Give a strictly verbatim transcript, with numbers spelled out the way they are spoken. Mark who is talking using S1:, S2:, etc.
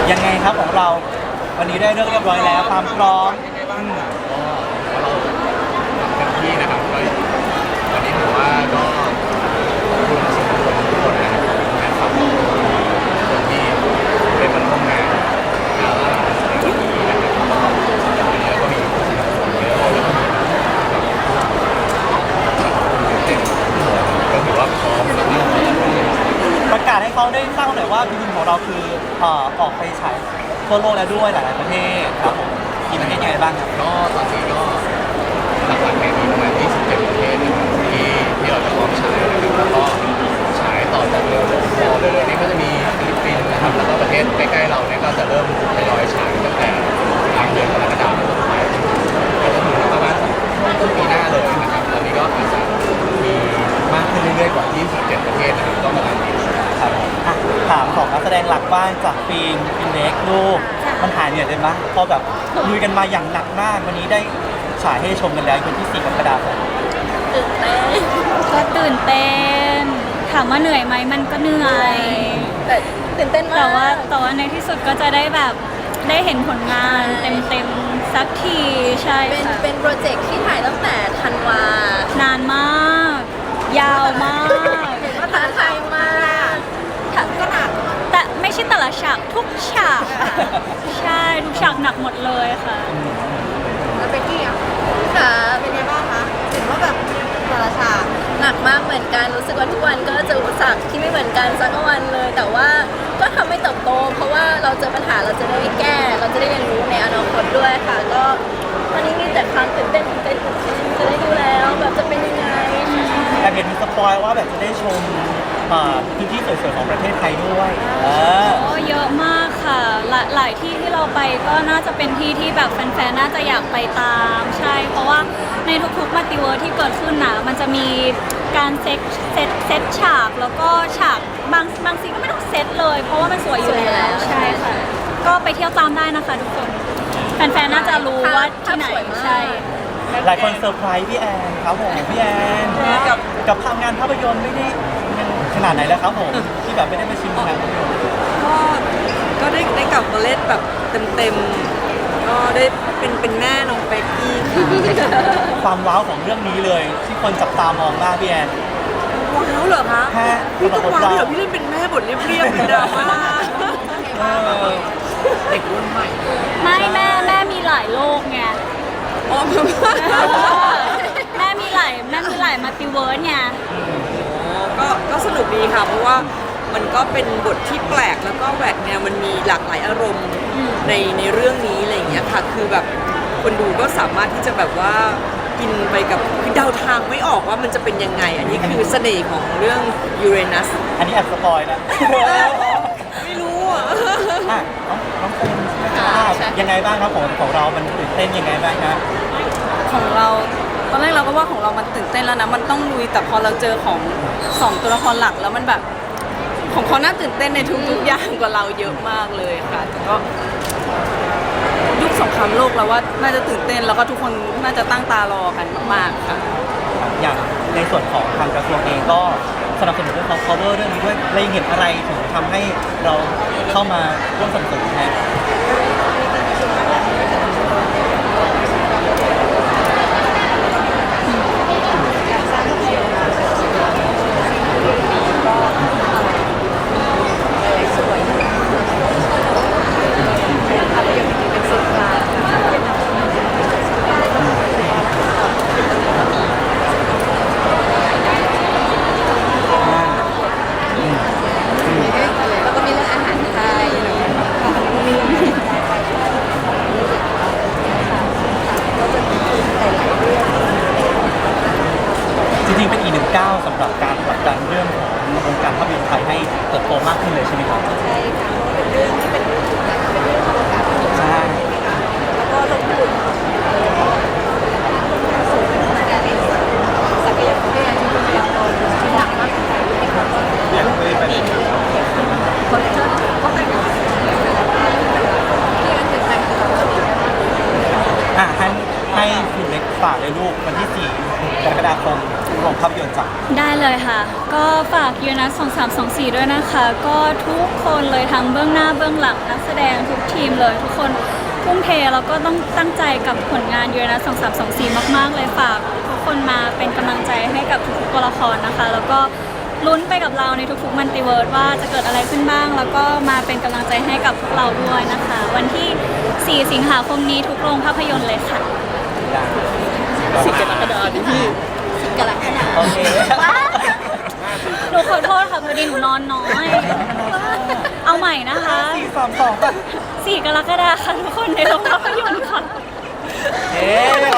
S1: ยังไงครับของเราวันนี้ได้เรื่องเรียบร้อยแล้วความพร้อม
S2: ก็เราเต็มที่นะครับก็วันนี้ถือว่าก็คุณสื่อมวลชนทุกคนนะครับแฟนคลับทุกคนที่เป็นมาร่วมงานงานละในวันนี้นะครับก็วันนี้ก็มีผู้สนับสนุนเยอะแล้วก็มีแบบตื่นเต้นก็ถือว่าพร้อมแล้วก็
S1: ประกาศให้เขาได้ทราบหน่อยว่าบินของเราคือเอ่อออกไปฉายทั่วโลกแล้วด้วยหลายๆประเทศครับผมมีประเทศยังไงบ้างครับ
S2: ก็ตอนนี้ก็หลักๆเนี่ยมีประมาณยี่สิบเจ็ดประเทศนะครับที่ที่เราจะพร้อมฉายนะครับแล้วก็ฉายต่อจากเร็วๆรอเลยนี่ก็จะมีฟิลิปปินส์นะครับแล้วก็ประเทศใกล้ๆเราเนี่ยก็จะเริ่มทยอยฉายตั้งแต่กลางเดือนกรกฎาคมเป็นต้นไปก็จะถึงประมาณต้นปีหน้าเลยนะครับตอนนี้ก็อาจจะมีมากขึ้นเรื่อยๆกว่ายี่สิบเจ็ดประเทศนะครับก็ประมาณนี้
S1: ครับอ่ะถามของนักแสดงหลักบ้างจากฟิล์มฟินเล็กลูกมันหายเหนื่อยเลยมั้ยพอแบบลุยกันมาอย่างหนักมากวันนี้ได้ฉายให้ชมกันแล้ววันที่สี่กรกฎาคม
S3: ตื่นเต้นก็ตื่นเต้นถามว่าเหนื่อยไหมมันก็เหนื่อยแต่ตื่นเต้นมากแต่ว่าแต่ว่าในที่สุดก็จะได้แบบได้เห็นผลงานเต็มๆสักทีใช่ค่ะเป็นโปรเจกต์ที่ถ่ายตั้งแต่ธันวานานมากยาวมากท้าทายมากก็หนักแต่ไม่ใช่แต่ละฉากทุกฉากใช่ทุกฉากหนักหมดเลยค่ะแล้วเป็นที่อ่ะค่ะเป็นไงบ้างคะเห็นว่าแบบแต่ละฉากหนักมากเหมือนกันรู้สึกว่าทุกวันก็จะอุปสรรคที่ไม่เหมือนกันสักวันเลยแต่ว่าก็ทำให้เติบโตเพราะว่าเราเจอปัญหาเราจะได้แก้เราจะได้เรียนรู้ในอนาคตด้วยค่ะก็ตอนนี้มีแต่ความตื่นเต้นตื่นเต้นตื่นเต้นจะได้ดูแล้วแบบจะเป็นยังไง
S1: แต่เห็นมีสปอยว่าแบบจะได้ชมพื้นที่สวยๆของประเทศไทยด้วย
S3: โอ้เยอะมากค่ะหลายหลายที่ที่เราไปก็น่าจะเป็นที่ที่แบบแฟนๆน่าจะอยากไปตามใช่เพราะว่าในทุกๆมัลติเวิร์สที่เกิดขึ้นนะมันจะมีการเซตเซตเซตฉากแล้วก็ฉากบางบางซีก็ไม่ต้องเซตเลยเพราะว่ามันสวยอยู่แล้วใช่ค่ะก็ไปเที่ยวตามได้นะคะทุกคนแฟนๆน่าจะรู้ว่าที่ไหนใช่
S1: หลายคนเซอร์ไพรส์พี่แอนครับผมพี่แอนกับกับทำงานภาพยนตร์ไม่ได้ขนาดไหนแล้วครับผมที่แบบไม่ได้มาชิมงานภาพยนตร์
S4: ก็ก็ได้ได้กลับมาเล่นแบบเต็มๆก็ได้เป็นเป็นแม่น้องเป๊กกี้
S1: ความว้าวของเรื่องนี้เลยที่คนจับตามองมากพี่แอน
S4: ว้าวเหรอคะพี่ต้องว้าวเดี๋ยวพี่เล่นเป็นแม่บทเรียบๆเป็นดราม่า
S2: เด็กรุ่นใหม่
S3: ไม่แม่แม่มีหลายโลกไง
S4: อ๋อ
S3: แม่มีหลายแม่มีหลายมัลติเวิร์สไง
S4: ก็ก็สนุกดีค่ะเพราะว่ามันก็เป็นบทที่แปลกแล้วก็แหวกแนวมันมีหลากหลายอารมณ์ในในเรื่องนี้อะไรอย่างเงี้ยค่ะคือแบบคนดูก็สามารถที่จะแบบว่ากินไปกับคือเดาทางไม่ออกว่ามันจะเป็นยังไงอันนี้คือเสน่ห์ของเรื่องยูเรนัส
S1: อันนี้แอบสปอยนะ
S4: ไม่รู้อ่ะ
S1: น้องน้องเฟนใช่ไหมยังไงบ้างครับของของเรามันตื่นเต้นยังไงบ้างครับ
S4: ของเราตอนแรกเราก็ว่าของเรามันตื่นเต้นแล้วนะมันต้องลุยแต่พอเราเจอของสองตัวละครหลักแล้วมันแบบของเขาน่าตื่นเต้นในทุกๆอย่างกว่าเราเยอะมากเลยค่ะแต่ก็ยุคสงครามโลกเราว่าน่าจะตื่นเต้นแล้วก็ทุกคนน่าจะตั้งตารอกันมากๆค่ะ
S1: อย่างในส่วนของทางกระทรวงเองก็สนับสนุนเรื่องของ cover เรื่องนี้ด้วยเลยเห็นอะไรถึงทำให้เราเข้ามาร่วมสนับสนุนนะจริงๆเป็นอีกหนึ่งก้าวสำหรับการผลักดันเรื่องของวงการภาพยนตร์ไทยให้เติบโตมากขึ้นเลยใช่ไหมครับ
S3: ใช่ค่ะเป็นเรื่องที่เป็นเป็นเรื่องของการใช่แล้วก็ลงทุนสูงขนาดนี้ศักยภาพที่เราโตที่หนักมาก
S1: อย่างไม่เป็น
S3: คนเชิญก็เป็นที่มันถึงการคือ
S1: อ่ะให้ให้คุณเล็กฝากเลยลูกวันที่สี่กรกฎาคมโรงภาพยนตร์จ้ะ
S3: ได้เลยเลยค่ะ ก็ฝากยูนัสสองสามสองสี่ด้วยนะคะ ก็ทุกคนเลยทั้งเบื้องหน้าเบื้องหลังนักแสดงทุกทีมเลย ทุกคนทุ่มเทแล้วก็ต้องตั้งใจกับผลงานยูนัสสองสามสองสี่มากๆเลยฝากทุกคนมาเป็นกำลังใจให้กับทุกๆตัวละครนะคะ แล้วก็ลุ้นไปกับเราในทุกๆมัลติเวิร์สว่าจะเกิดอะไรขึ้นบ้าง แล้วก็มาเป็นกำลังใจให้กับพวกเราด้วยนะคะ วันที่สี่สิงหาคมนี้ทุกโรงภาพยนตร์เลยค่ะ
S4: สิกรกฎาคมดิพี่
S3: กรกฎาค
S1: โอ
S3: ม
S1: เค
S3: หนูขอโทษค่ะพอดีหนูนอนน้อย เอาใหม่นะคะ
S1: สี่สามสองป่ะ
S3: สี่กรกฎาคมค่ะทุกคนในโรงภาพยนตร์ค่ะ
S1: เอ๊ะ